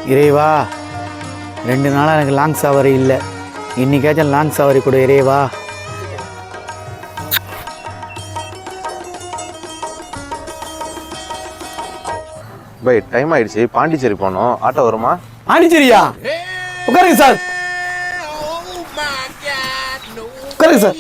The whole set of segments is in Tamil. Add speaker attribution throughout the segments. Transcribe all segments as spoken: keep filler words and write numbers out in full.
Speaker 1: இறைவா, ரெண்டு நாளாக எனக்கு லாங் சவாரி இல்லை, இன்னைக்காச்சும் லாங் சவாரி கொடு இறைவா.
Speaker 2: பை டைம் ஆயிடுச்சு, பாண்டிச்சேரி போனோம். ஆட்டோ வருமா?
Speaker 1: பாண்டிச்சேரியா? உட்காருங்க சார், உட்காருங்க சார்.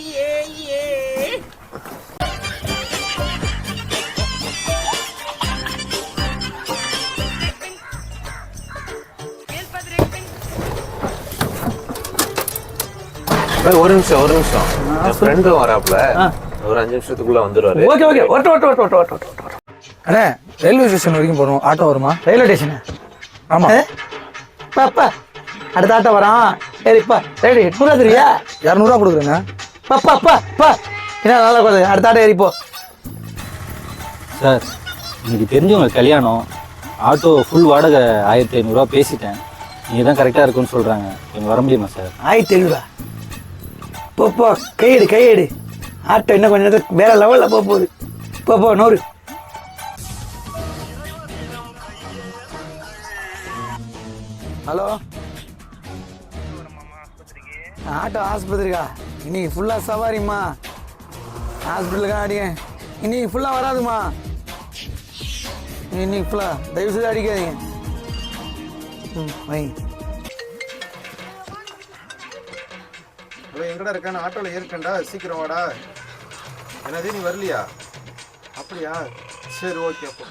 Speaker 2: ஒரு நிமிஷம் ஒரு நிமிஷம் என் ஃப்ரெண்டும் வராப்புல, ஒரு அஞ்சு நிமிஷத்துக்குள்ள வந்துடுவாரு.
Speaker 3: ஓகே ஓகே ஓட்ட ஓட்ட ஓட்ட ஓட்ட ஓட்ட ஓட்ட அண்ணே, ரயில்வே ஸ்டேஷன் வரைக்கும் போகணும். ஆட்டோ வருமா?
Speaker 1: Railway station?
Speaker 3: ஆமாம்.
Speaker 1: பாப்பா அடுத்த ஆட்டோ வரான். சரிப்பா, சரி எட்நூறுவா தெரியா?
Speaker 3: இரநூறுவா கொடுக்குறேங்க.
Speaker 1: பாப்பா அப்பா பா என்ன நல்லா கொடுங்க, அடுத்த ஆட்டோ ஏறிப்போ.
Speaker 4: சார், இன்னைக்கு தெரிஞ்சவங்க கல்யாணம், ஆட்டோ ஃபுல் வாடகை ஆயிரத்தி ஐநூறுரூவா பேசிட்டேன். நீங்கள் தான் கரெக்டாக இருக்குன்னு சொல்கிறாங்க, நீங்கள் வர முடியுமா சார்?
Speaker 1: ஆயிரத்தி ஐநூறுவா போ போ, கையெடு கையெடு. ஆட்டோ இன்னும் கொஞ்சம் நேரத்துக்கு வேற லெவலில் போக போகுது. போ போ நூறு. ஹலோ, ஆட்டோ ஆஸ்பத்திரிக்கா? இன்னைக்கு ஃபுல்லாக சவாரிம்மா, ஹாஸ்பிட்டலுக்கா அடிங்க. இன்னைக்கு ஃபுல்லாக வராதுமா, இன்னைக்கு ஃபுல்லாக தயவு செய்து அடிக்காதீங்க. ம் வை.
Speaker 2: எங்கடா இருக்கான? ஆட்டோல ஏற்கண்டா, சீக்கிரம் வாடா. என்னது நீ வரலையா? அப்படியா, சரி ஓகே. அப்போ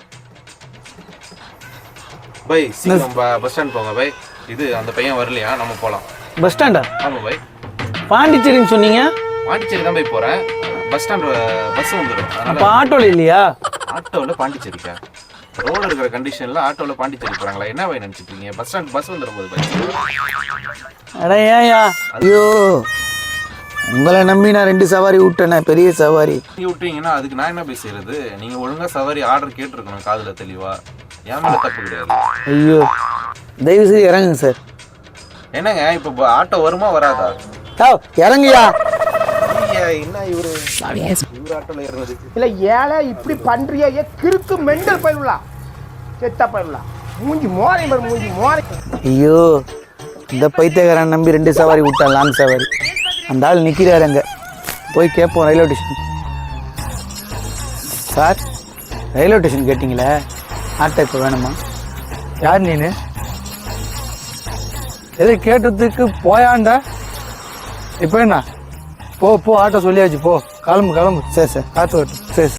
Speaker 2: பை சீக்கிரம் பஸ் ஸ்டாண்ட் போங்க பை. இது அந்த பையன் வரலையா, நம்ம போகலாம்.
Speaker 1: பஸ் ஸ்டாண்டா?
Speaker 2: ஆமாம் பை.
Speaker 1: பாண்டிச்சேரின்னு சொன்னீங்க.
Speaker 2: பாண்டிச்சேரி தான் போய் போகிறேன். பஸ் ஸ்டாண்ட் பஸ் வந்துடும்.
Speaker 1: அப்போ ஆட்டோவில் இல்லையா?
Speaker 2: ஆட்டோவில் பாண்டிச்சேரிக்கா? ரோடு இருக்கிற கண்டிஷனில் ஆட்டோவில் பாண்டிச்சேரி போகிறாங்களா? என்ன பை நினச்சிட்டு இருக்கீங்க? பஸ் ஸ்டாண்ட் பஸ் வந்துடும் போது பை.
Speaker 1: அட ஏயா, ஐயோ உங்களை நம்பி நான் ரெண்டு சவாரி விட்டேனே, பெரிய சவாரி.
Speaker 2: நீங்கள் விட்டீங்கன்னா அதுக்கு நான் என்ன போய் செய்யறது? நீங்கள் ஒழுங்காக சவாரி ஆர்டர் கேட்டிருக்கணும் காதில் தெளிவா. ஏன் மேலே தப்பு கிடையாது.
Speaker 1: ஐயோ தயவு செய்து இறங்குங்க சார்.
Speaker 2: என்னங்க இப்போ ஆட்டோ வருமா வராதா?
Speaker 1: ஆ இறங்குயா.
Speaker 2: என்ன இவரு இவரு ஆட்டோல ஏறினது
Speaker 5: இல்லை ஏழை இப்படி பண்றியா? ஏ கிறுக்கு மெண்டல் பயிலாம், செத்தா பயிலாம், மூஞ்சி மோரை மாதிரி மூஞ்சி மோரை.
Speaker 1: ஐயோ இந்த பைத்தியக்காரன் நம்பி ரெண்டு சவாரி விட்டான், லாங் சவாரி. அந்த ஆள் நிற்கிறாரு அங்கே, போய் கேட்போம். Railway station sir, railway station கேட்டிங்களே, ஆட்டோ இப்போ வேணுமா?
Speaker 3: யார் நீனு? எதை கேட்டதுக்கு போயாண்டா? இப்போ என்ன? போ போ, ஆட்டோ சொல்லியாச்சு, போ கிளம்பு கிளம்பு.
Speaker 1: சரி சார்,
Speaker 3: ஆட்டோ வரட்டும்.
Speaker 1: சரி.